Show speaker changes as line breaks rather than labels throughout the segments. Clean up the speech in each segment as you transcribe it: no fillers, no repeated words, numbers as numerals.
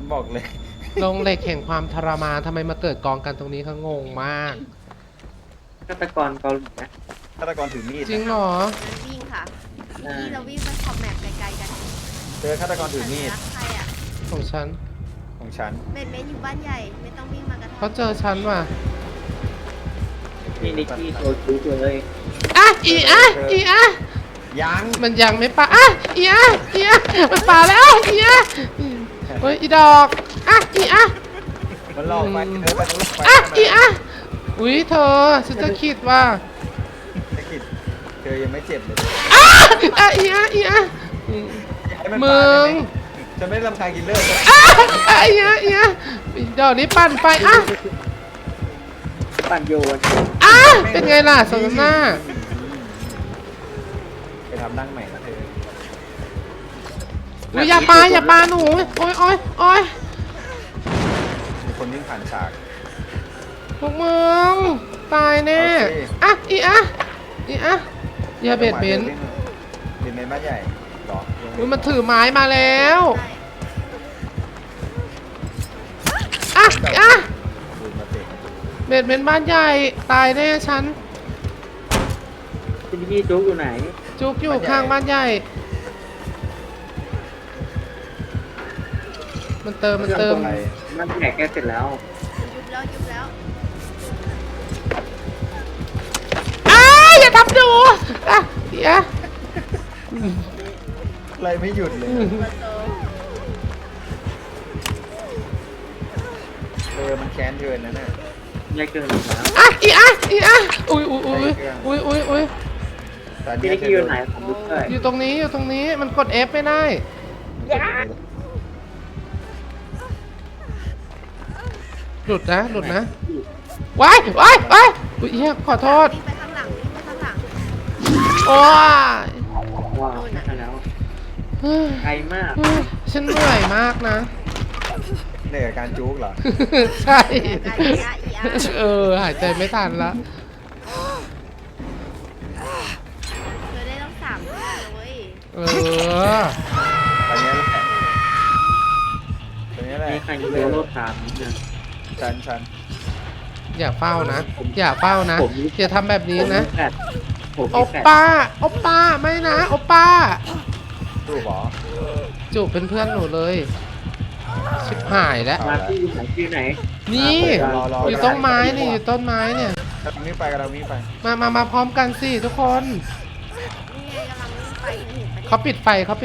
บอกเลย
ลงเหล็กแห่งความทรมานทำไมมาเกิดกองกันตรงนี้เขางงมาก
ฆาตกรเกาหลีนะ
ฆาตกรถือมีด
จริงเหรอ
งั้นวิ่งค่ะนี่เราวิ่งไปขอบแมปไกลๆกัน
เจอฆาตกรถือมีด
ใครอ่ะ
ของฉัน
ของฉัน
เบนเบนอยู่บ้านใหญ่ไม่ต้องวิ่งมากระท
เขาเจอฉันว่ะ
นี่นิกกี้โซจูเลย
อ่ะอีอ่ะ
ยัง
มันยังไม่ปาอีอ่ะมันปาแล้วอีอ่ะเฮ้ยอีดอกอีอ่ะ
มันหลอกไปเธอไปทะลุไป
อีอ่ะอุ้ยเธอฉันจะคิดว่า
ไอ้กิจเธอยังไม่เจ็บเลย
อีอ่ะ
ให้มัน
มึ
ปาได้
ง
ไหมฉันไม่ได้รำคาญกินเลือดเลย
อีอ่ะดอกนี้ปั่นไฟ
ปั่นโยน
เป็นไงล่ะสมน้ำหน้า
ไปทำดั้งใหม่นะเธอ
อุ้ยอย่าปาหนูโอ๊ย
มีคนวิ่งผ่านฉาก
พวกมึงตายแน่อีอ่ะอย่าเบียดเบน
เบียดเบนบ้านใหญ่หรอ
อุ้ยมันถือไม้มาแล้ว
ำได้
ดูมาเตะ
เบียดเบนบ้านใหญ่ตายแน่ฉัน
นิกกี้จุกอยู่ไหน
จุกอยู่ข้างบ้านใหญ่ มันเติม
มันแหกแกเสร็จแล้ว
ยุบแล้ว
อย่าทำดูอย่า
อะไรไม่หยุดเลย
ประตู
มันแค้นเธอนั่นน่ะ
ยายเกินแล้ว
อีอุ้ย
แต่
พี่
เนี้
นิกกี้อยู่ไหนผมดูด้วย
อยู่ตรงนี้มันกด F ไม่ได้หลุดนะว้ายอุ้ยเฮียขอโทษ
วิ่งไปข้างหลัง
โอ้ย
ว้าวได้แล้วไกลมาก
ฉันเหนื่อยมากนะ
เหนื่อยกับการจุกเหรอ
ใช่
อีอา
หายใจไม่ทันละ
เธอได้ต้อง3เรื่องเลย
ตอนนี้แหละตอนนี้แหละ
มีใครอยู่ในโลกสามเนี่ย
ฉัน
อย่าเฝ้านะอย่าทำแบบนี้นะ
ผม
โอ
มีแฟด
ป้าไม่นะโอป้า
ดูบอ
จูบเป็นเพื่อนหนูเลยชิบหายแล้ว
มาที่อยู่ไหน
นี่อยู่ต้นไม้นี่อยู่ต้นไม้เนี่ย
กำลังวิ่งไปกำลังวิ่งไป
มาพร้อมกันสิทุกคน
นี่ไงกำลังวิ่งไปเห็นปะ
เขาปิดไฟ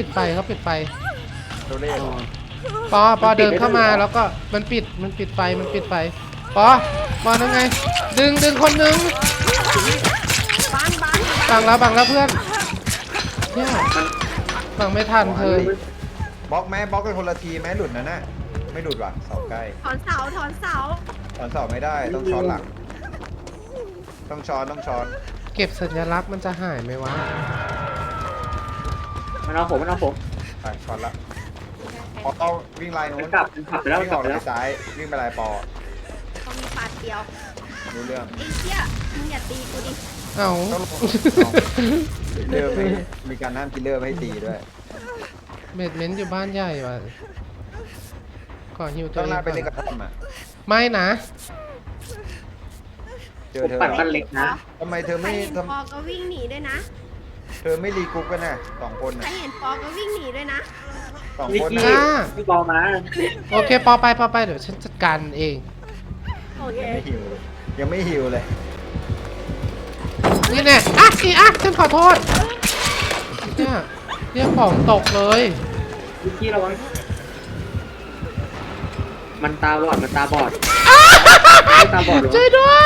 ตัวเลข
ปอเดินเข้ามาแล้วก็มันปิดไฟปอนั่นไงดึงคนนึง
บ้าน
บังแล้วเพื่อนเนี่ยบังไม่ทันเธอบ
ล็อกไหมบล็อกกันคนละทีไหมหลุดนะน่ะไม่หลุดว่ะเสาใกล้
ถอนเสา
ตอนเสาไม่ได้ต้องช้อนหลังต้องช้อน
เก็บสัญลักษณ์มันจะหายไหมวะ
มันเอาผม
ไปช้อนละพอเอาวิ่งไลน์นู้น
ขับไปแล้ว
วิ่งออกไปซ้ายวิ่งไปลายปอ
เขามีปาดเดียว
รู้เรื่อง
ไอ้เหี้ยมึงอย่าตีกูดิ
เอ้า
ต้องลงเริ่มมีการห้ามกินเลอร์ไม่ให้ตีด้วย
เบดเมนต์อยู่บ้านใหญ่ว่ะขอหิวตั
ต้
ว
อง
เอง
หน้าไป
ก่อ
เล่น
น
กับท่อมอ่ะ
ไม่นะ
เจอเธอ
ปั่นบ้านเล็กนะ
ทำไมเธอ
ใคร
ไม่
เห็นปอก็วิ่งหนีด้วยนะ
เธอไม่รีกรุ๊ปกันน่ะ2 คน
ใคร
น่ะ
เห็นปอก็วิ่งหนีด้วยนะ
2
นิก
คน
กี้
น่ะ
พี่บอลมา
โอเคปอไปเดี๋ยวฉันจัดการเอง
โอเค
ยังไม่หิวเลย
นี่แน่ฉันขอโทษเนี่ยของตกเลย
นิกกี้ระวังมันตาบอดตาบอดหรือ
ช่วยด้วย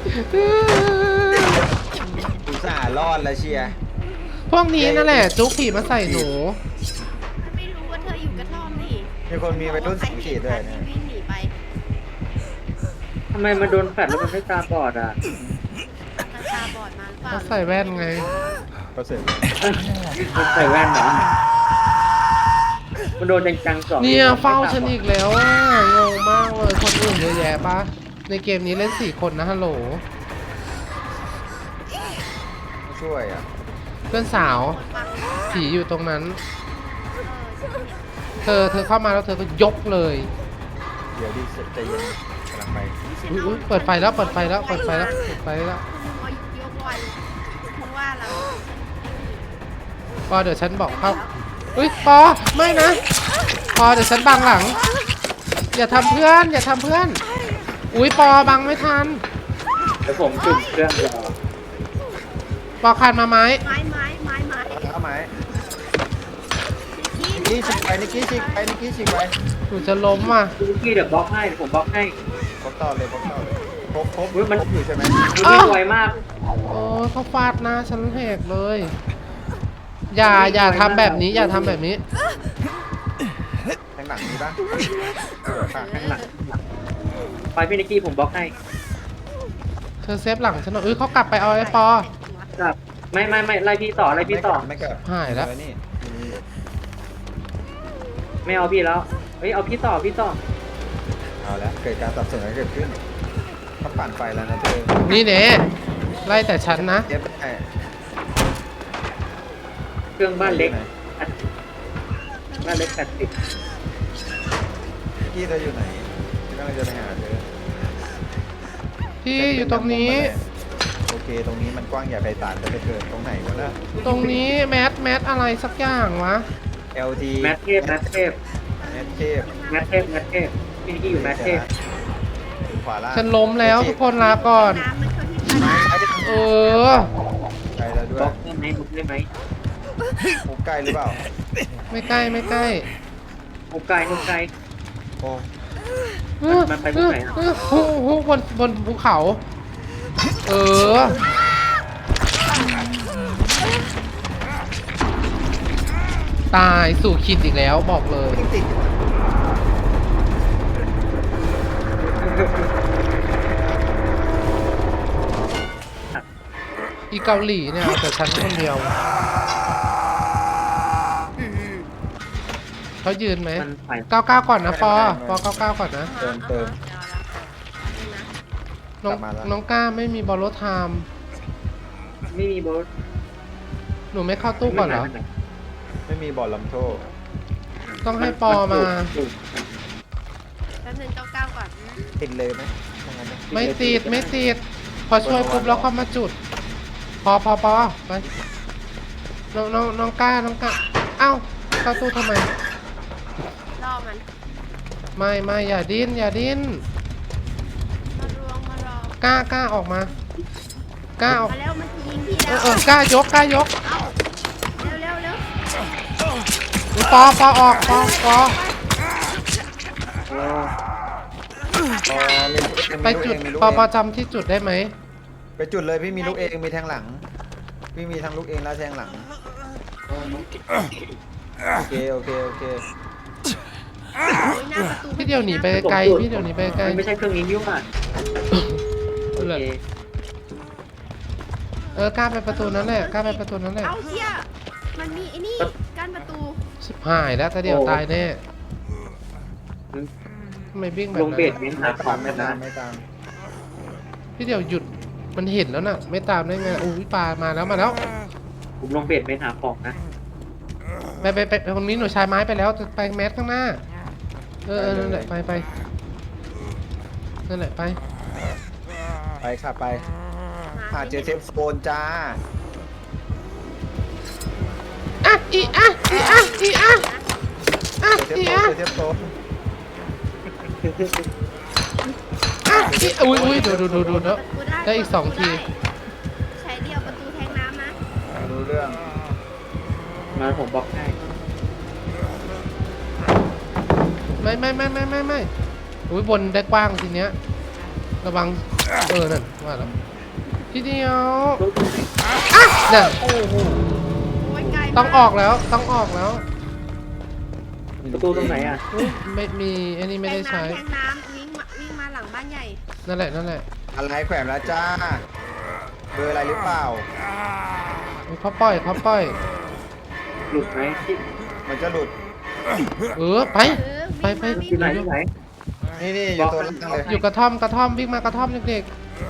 อุตส่าห์รอดแล้วเชียร์
พวกนี้นั่นแหละจุกผีมาใส่หนู
ไม่รู้ว่าเธออยู่กระท่อมนี่
มีคนมีไปรุ่นสังเกตด้วย
ใคร
นะ
เห็นฉันที่วิ่งหนีไป
ทำไมมาโดนแฟดแล้วมันไม่ตาบอดอ่ะ
ตาบอดมาหรือเปล่า
เขาใส่แว่นไง
ก็เสร็จ
มันใส่แว่นเหรอมันโดนจังๆสอง
เนี่ยเฝ้าฉันอีกแล้วอ่ะงงมากเลยคนอื่นเยอะแยะปะในเกมนี้เล่น4 คนนะฮัลโหล
ช่วยอ่ะ
เพื่อนสาว
คนฟัง
ผีอยู่ตรงนั้น
ฉันเห็น
เธอเข้ามาแล้วเธอก็ยกเลย
เดี๋ยวดิใจเย็นกำลังไป
อุ๊ยเปิดไฟแล้วเปิดไฟแล้วเปิดไฟแล้วเปิดไฟแล้ว
ยกไวเพราะว่าเรา
ปอเดี๋ยวฉันบอกเข้าอุ้ยปอไม่นะปอเดี๋ยวฉันบังหลัง อย่าทำเพื่อนอย่าทำเพื่อนอุ้ยปอบังไม่ทัน
เดี๋ยวผมจุ่มเครื่องรอ
ปอคานมาไหม
ไม้
เอาไหมนิกกี้ฉีกไปนิกกี้ฉีกไปนิกกี้ฉีกไป
หนูจะล้มว่ะ
คุณพี่เดี๋ยวบล็อกให้ผมบล็อกให้
พบต่อเลยพบต่อเลยพบ
อุ๊ยมัน
พบอยู่ใช่ไหม
คุณพี่ไวมาก
โอ้เขาฟาดหน้าฉันแหกเลย อย่าทำแบบนี้อย่าทำแบบนี้
แทงหลังมีปะค่ะ
ข้างหลังไปพี่นิกกี้ผมบล็อกให้
เธอเซฟหลังฉันหน่อยเขากลับไปเอาไอ้ปอ
ครับไม่ไล่พี่ต่อไล่พี่ต่อ
ไม่เกิด
หายแล้ว
นี่
ไม่เอาพี่แล้วเฮ้ยเอาพี่ต่อ
เอาแล้วเกิดการสับสนอะไรเกิดขึ้นเขาปั่นไฟแล้วนะเธอ
นี่เน่ไล่แต่ฉันนะ
เย็บได้
เครื่องบ้านเล็กบ้านเล็ก80
พี่เธออยู่ไหนกำลังจะไปหาเธอ
พี่อยู่ตรงนี้
โอเคตรงนี้มันกว้างใหญ่ไพศาลจะไปเกิดตรงไหนวะนะ
ตรงนี้แมทอะไรสักอย่างวะ
LT
แมทเทพ
แมทเทพ
พี่นิกกี้อยู่แมทเทพ
ขวาล่าง
ฉันล้มแล้วทุกคนลาก่อน
น้ำมันเข้าที่ปลาย
เออ
ใกล้แล้วด้ว
บล็
ย
อกได้ไหมบุกได้ไหม
มุกใกล้หรือเปล่า
ไม่ใกล้ไม่ใกล้
บุกไกล
โอ้
มันไปตรงไหนอ่ะ
บนภูเขา เออ ตายสู่ขีดอีกแล้วบอกเลย
ติด
อีเกาหลีเนี่ยเอาแต่ฉันคนเดียว เขายืนไหม
มันไป
99ก่อนนะปอ99ก่อนนะ
เติม
น้อง
กลับมาแล้ว
น้องก้าไม่มีบอลโลไทม์
ไม่มีโบส
หนูไม่เข้าตู้ก่อนเหรอ
ไม่มีบอลลำโทษ
ต้องให้ปอมา
แป๊บนึงเก้าก่อน
ติดเลยไหมถ้างั้นนะ
ไม่ติดไม่ติด พอช่วยปุ๊บแล้วเข้ามาจุด พอไปน้องก้าเอ้าเข้าตู้ทำไม
ล่อมัน
ไม่อย่าดิ้น
มารวม
กล้าออกมากล้าออก
มาแล้วมันจะยิงพี่แล้ว
กล้ายก
เร็ว
ปอออกปอ ไปจุด
มีลูก
ป
เอง
อจำที่จุดได้ไหม
ไปจุดเลยพี่มีลูกเองมีแทงหลัง พี่มีทั้งลูกเองและแทงหลัง โอเค
หน้าประตู
พี่เดียวหนีไปไกลพี่เดียวหนีไปไกล
มันไม่ใช่เครื่องนี้ยุ่งอ่ะโอเค
กล้าไปประตูนั้นแหละกล้าไปประตูนั้นแหละ
เอาเชี่ยมันมีไอ้นี่กั้นประตู
ชิบหายแล้วถ้าเดียวตายแน่ทำไมวิ่งแบบ
ลง
นั้
เบส
น
เม้นหาของ
ไม่
นะ
ตามไม่ตาม
พี่เดียวหยุดมันเห็นแล้วน่ะ ไม่ตามได้ไงอุ้ยปลามาแล้ว
ผมลงเบสเม้นหาของนะ
ไปคนนี้หนูชายไม้ไปแล้วจะไปแมสข้างหน้านั่นแหละไปนั่นแหละไป
ไปค่ะไปหาเจอเซฟโซนจ้า
เ
เจอเซฟโซน
อุ้ยดูได้อีก2 ที
ใช้เดียวประตูแทงน้ำนะ
รู้เรื่อง
มาผมบล็อกให้
ไม่อุ้ยบนได้กว้างทีเนี้ยระวังนั่นว่าแล้วทีเดียวนั่น
โอ้ยไกล
ต้องออกแล้ว
ประตูตรงไหนอ่ะ
อุ๊ยไม่มีอันนี้ไม่ได้ใช้
แทงน้ำวิ่งมาหลังบ้านใหญ่
นั่นแหละ
อะไรแขวนแล้วจ้าเบอร์อะไรหรือเปล่า
เขาปล่อย
หลุดไหมที่
มันจะหลุด
ไป ไป
อยู่ไหน
นี่อยู่ตัวล่างเลย
อยู่กระท่อมวิ่งมากระท่อมเด็ก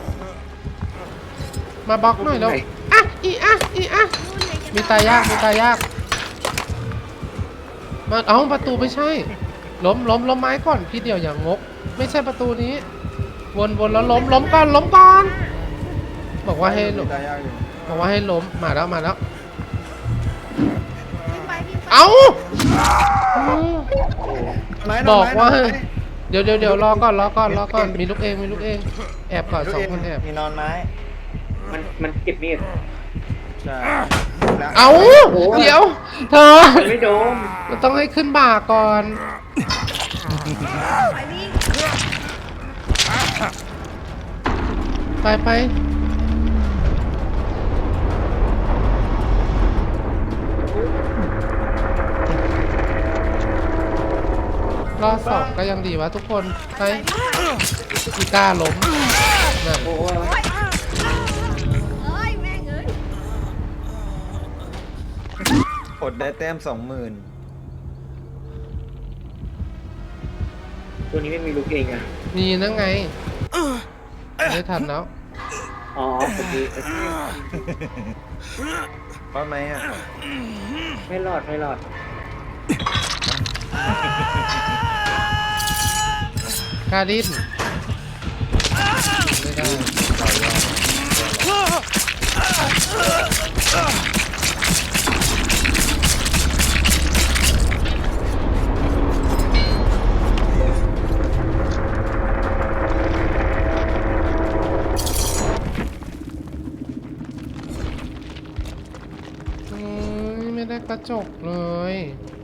ๆมาบล็อกหน่อยแล้วมีตายากมาเอ้าประตูไม่ใช่ ล้มไม้ก่อนพี่เดียวอย่างงก ไม่ใช่ประตูนี้ วนแล้วล้มก่อนบอกว่าให้ล้ม
ตายยากอยู่
บอกว่าให้ล้มมาแล้ว
วิ่งไป
เอ้า
ไม้
บอกว่า
ไม้
เดี๋ยวรอก่อนมีลูกเองแอบก่อน
ลูก
สอง
เอง
คนแอบ
มีนอนไม้
มันเก็บมีด
ใช่แล้ว
เอ้าเดี๋ยวเธอ
มันไม่โดน
เราต้องให้ขึ้นบ่าก่อน
ไปวิ่ง
ไปรอบสองก็ยังดีวะทุกคนไปอีก้าล้มนั่น
โอ้โห
โอ๊ยเอ้ยแม่งเอ้ย
อดได้แต้ม 20,000
ตัวนี้ไม่มีลูกเองอ่ะ
มีนั่งไงไม่ทันแล้ว
อ๋อโอเค
เพราะไหมอ่ะ
ไม่รอด
กาลินไม่ได้ไม่ได้กระจกเลย